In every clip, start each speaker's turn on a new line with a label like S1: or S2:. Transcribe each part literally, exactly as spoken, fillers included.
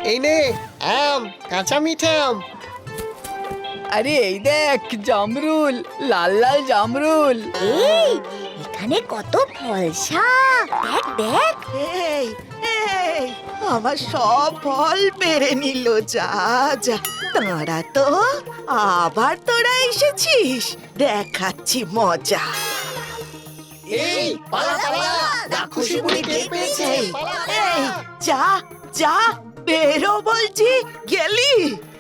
S1: এই নে আম, কাঁচা মিঠে আম।
S2: আরে এই দেখ জামরুল, লাল লাল জামরুল।
S3: এই এখানে কত ফলসা, দেখ দেখ।
S4: এই এই আমার সব ফল পেরে নিল, যা যা। তারা তো আবার তোরা এসেছিস, দেখাচ্ছি মজা।
S1: এই পালা পালা, রাক্ষসী বুড়ি টের পেয়েছে।
S4: এই যা যা, বেরো বলছি, গেলি।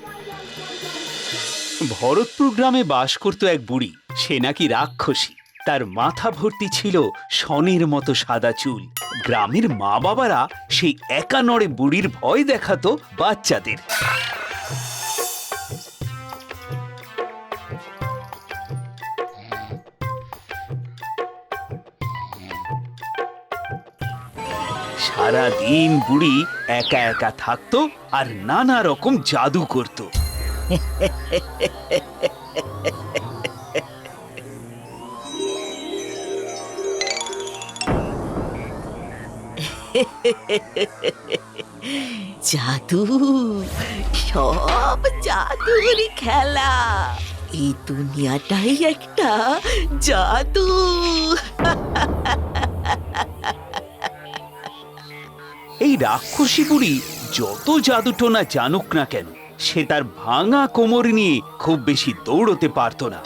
S5: ভরতপুর গ্রামে বাস করত এক বুড়ি। সে নাকি রাক্ষসী। তার মাথা ভর্তি ছিল শনের মতো সাদা চুল। গ্রামের মা বাবারা সেই একা নড়ে বুড়ির ভয় দেখাতো বাচ্চাদের। সারা দিন বুড়ি একা একা থাকতো আর নানা রকম জাদু করত।
S4: জাদু, সব জাদুর খেলা। এই দুনিয়াটাই একটা জাদু।
S5: এই রাক্ষসী বুড়ি যত জাদুটোনা জানুক না কেন, সে তার ভাঙা কোমর নিয়ে খুব বেশি দৌড়তে পারত না।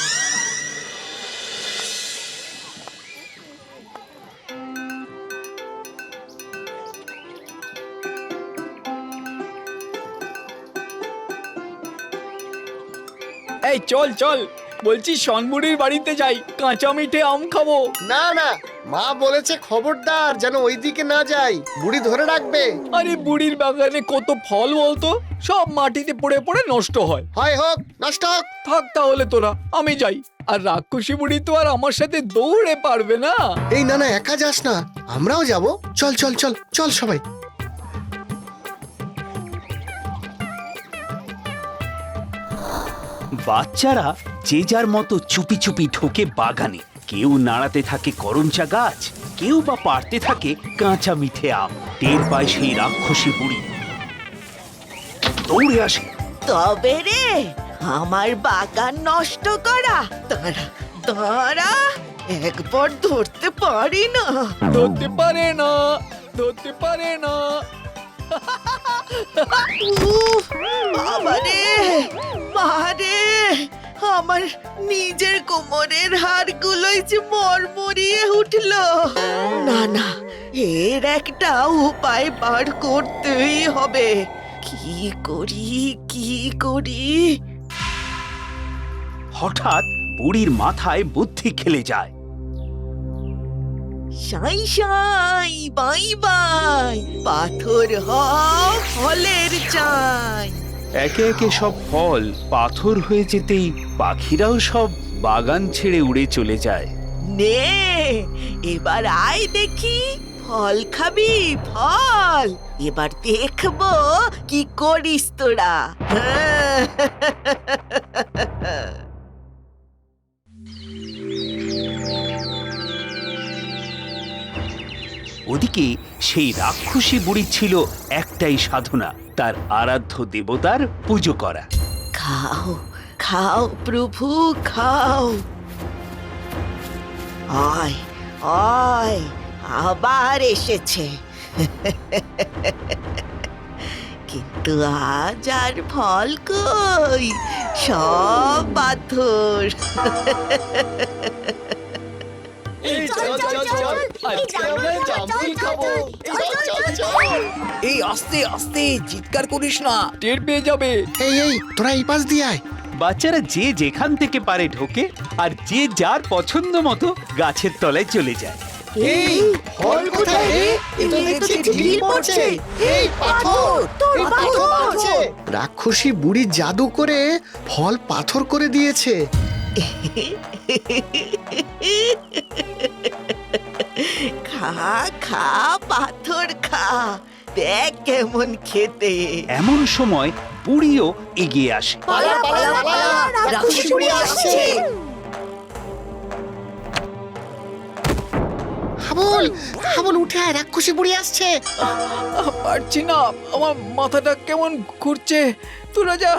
S2: এই চল চল, বলছি শনবুড়ির বাড়িতে যাই, কাঁচা মিঠে আম খাবো।
S1: না না, মা বলেছে খবরদার যেন ওইদিকে না যাই, বুড়ি ধরে রাখবে।
S2: আরে বুড়ির বাগানে কত ফল বলতো, সব মাটিতে পড়ে পড়ে নষ্ট হয়।
S1: হয় হোক নষ্ট হোক।
S2: থাক তাহলে তোরা, আমি যাই। আর রাক্ষসী বুড়ি তো আর আমার সাথে দৌড়ে পারবে না।
S1: এই না না, একা যাস না, আমরাও যাব। চল চল চল চল সবাই।
S5: বাচ্চারা যে যার মতো চুপি চুপি ঢোকে বাগানে। কেউ নাড়াতে থাকে করমচা গাছ, কেউ বা পাড়তে থাকে কাঁচা মিঠে আম। টের পায় সেই রাক্ষসী বুড়ি, দৌড়ে আসে।
S4: তবে রে, আমার বাগান নষ্ট করা, তারা তারা একবার ধরতে পারি না।
S2: ধরতে পারে না, ধরতে পারে না।
S4: উফ, বাবারে, মারে, আমার নিজের কোমরের হাড়গুলোই যে মরমরিয়ে উঠল। না না, এর একটা উপায় বার করতেই হবে। কি করি কি করি?
S5: হঠাৎ বুড়ির মাথায় বুদ্ধি খেলে যায়।
S4: সাই সাই বাই বাই, পাথর হ ফলের চাই।
S5: একে একে সব ফল পাথর হয়ে যেতেই পাখিরাও সব বাগান ছেড়ে উড়ে চলে যায়।
S4: নে, এবার আয় দেখি, ফল খাবি ফল। এবার দেখবো কি করিস তোরা।
S5: ওদিকে সেই রাক্ষসী বুড়ি ছিল একটাই সাধনা, তার আরাধ্য দেবতার পুজো করা।
S4: খাও খাও প্রভু খাও। আয় আয়, আবার এসেছে। কিন্তু আজ আর ফল কই, সব পাথর।
S2: এই আস্তে আস্তে, চিৎকার করিস না, টের পেয়ে যাবে।
S1: এই এই তোরা এই পাশ দিয়ে আয়।
S5: বাচ্চারা যে যেখান থেকে পারে ঢোকে, আর যে যার পছন্দ মতো গাছের তলায় চলে যায়।
S1: এই ফল কোথায় রে? এ তো দেখছি ঢিল পড়ছে। এই পাথর,
S4: তোর
S1: এই পাথর পড়ছে। রাক্ষসী বুড়ি জাদু করে ফল পাথর করে দিয়েছে।
S4: খা খা পাথর খা, দেখ কেমন খেতে।
S5: এমন সময় বুড়িও এগিয়ে আসে।
S1: পালা পালা পালা, রাক্ষসী বুড়ি আসছে। হাবুল হাবুল হাবুল উঠে আয়, রাক্ষসী বুড়ি আসছে।
S2: আহ, পারছি না, আমার মাথাটা কেমন ঘুরছে। তোরা যা।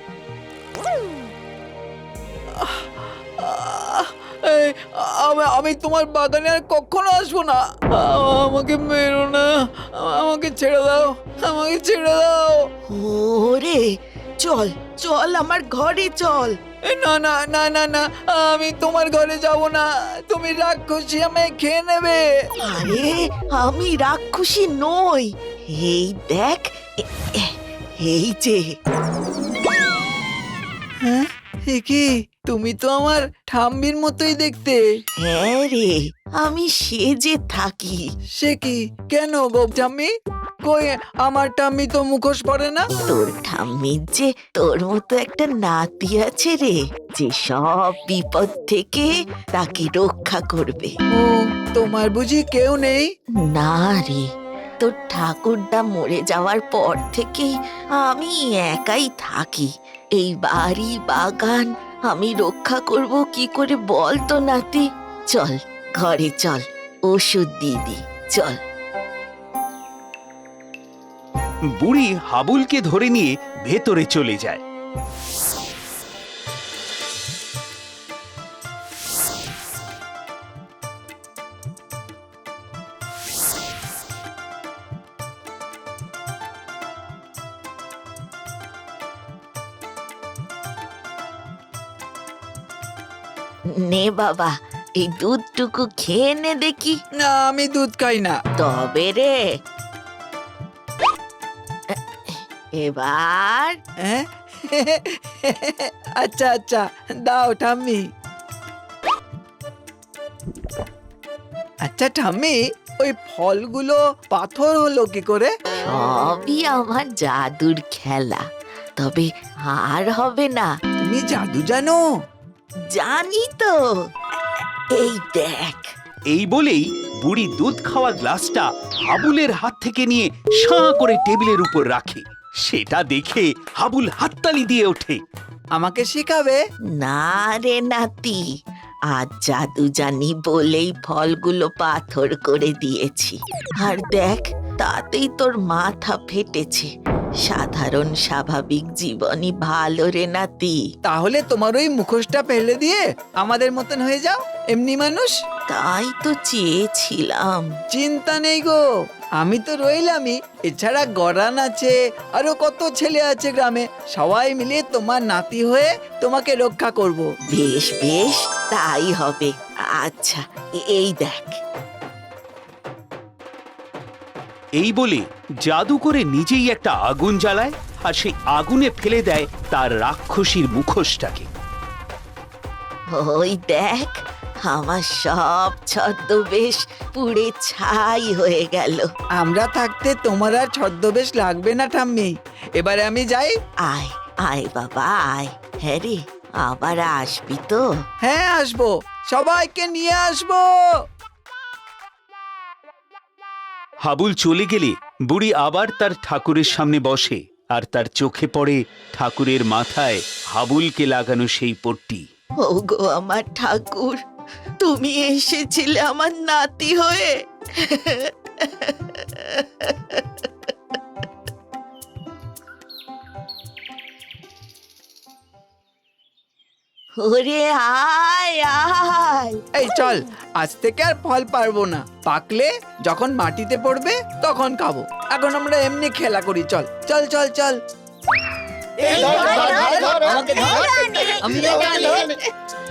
S2: আহ, আহ, এই, আমি আমি তোমার বাগানে আর কখনো আসবো না। আহ, আমাকে মেরো না, আমাকে ছেড়ে দাও, আমাকে ছেড়ে দাও।
S4: ওরে চল চল আমার ঘরে চল।
S2: এ, না না না না না, আমি তোমার ঘরে যাব না। তুমি রাক্ষসী, আমায় খেয়ে নেবে।
S4: আরে আমি রাক্ষসী নই, এই দেখ, এ- এ- এই যে।
S2: হ্যাঁ, এ কি? তুমি তো আমার ঠাম্মির মতোই দেখতে।
S4: হ্যাঁ রে, আমি সেজে থাকি।
S2: সে কি? কেন গো ঠাম্মি? কই, আমার ঠাম্মি তো মুখোশ পরে না।
S4: তোর ঠাম্মির যে তোর মতো একটা নাতি আছে রে, যে সব বিপদ থেকে তাকে রক্ষা করবে।
S2: ও, তোমার বুঝি কেউ নেই?
S4: না রে, তোর ঠাকুরদা মরে যাওয়ার পর থেকেই আমি একাই থাকি। এই বাড়ি বাগান আমি রক্ষা করব কি করে বল তো নাতি? চল ঘরে চল, ওষুধ দিয়ে দি, চল।
S5: বুড়ি হাবুলকে ধরে নিয়ে ভেতরে চলে যায়।
S4: নে বাবা, এই দুধটুকু খেয়ে নে দেখি।
S2: না, আমি দুধ খাই না।
S4: তবে রে, এবার
S2: হ্যাঁ? আচ্ছা আচ্ছা, দাও ঠাম্মি। আচ্ছা ঠাম্মি, ওই ফলগুলো পাথর হলো কি করে?
S4: সবই আমার জাদুর খেলা, তবে আর হবে না।
S2: তুমি জাদু জানো?
S4: জানি তো, এই দেখ।
S5: এই বলেই বুড়ি দুধ খাওয়া গ্লাসটা হাবুলের হাত থেকে নিয়ে সাঁ করে টেবিলের উপর রাখে। সেটা দেখে হাবুল হাততালি দিয়ে ওঠে।
S2: আমাকে শেখাবে?
S4: না রে নাতি, আজ জাদু জানি বলেই ফলগুলো পাথর করে দিয়েছি। আর দেখ, তাতেই তোর মাথা ফেটেছে। সাধারণ স্বাভাবিক জীবনই ভালো রে নাতি।
S2: তাহলে তোমার ওই মুখোশটা ফেলে দিয়ে আমাদের মতন হয়ে যাও, এমনি মানুষ।
S4: তাই তো চেয়েছিলাম।
S2: চিন্তা নেই গো, আমি তো রইলামই। এছাড়া গরান আছে, আরো কত ছেলে আছে গ্রামে। সবাই মিলে তোমার নাতি হয়ে তোমাকে রক্ষা করব।
S4: বেশ বেশ, তাই হবে। আচ্ছা, এ- এই দেখ।
S5: এই বলে জাদু করে নিজেই একটা আগুন জ্বালায় আর সেই আগুনে ফেলে দেয় তার রাক্ষসীর মুখোশটাকে।
S4: ওই দেখ, আমার সব ছদ্মবেশ পুড়ে ছাই হয়ে গেল।
S2: আমরা থাকতে তোমার আর ছদ্মবেশ লাগবে না ঠাম্মি। এবারে আমি যাই।
S4: আয় আয় বাবা আয়। হ্যাঁ রে, আবার আসবি তো?
S2: হ্যাঁ, আসবো, সবাইকে নিয়ে আসবো।
S5: হাবুল চলে গেলে বুড়ি আবার তার ঠাকুরের সামনে বসে আর তার চোখে পড়ে ঠাকুরের মাথায় হাবুলকে লাগানো সেই পট্টি।
S4: ওগো আমার ঠাকুর, তুমি এসেছিলে আমার নাতি হয়ে। ওরে আয় আয়।
S2: এই চল, আজ থেকে আর ফল পারবো না। পাকলে যখন মাটিতে পড়বে তখন খাবো। এখন আমরা এমনি খেলা করি। চল চল চল চল।
S1: এই ধর, ধর, ধর, ধর,
S2: আমাকে ধর।
S1: ধর,
S2: আমি
S1: ধর,
S2: একা
S1: ধর,
S2: নেই।
S1: ধর।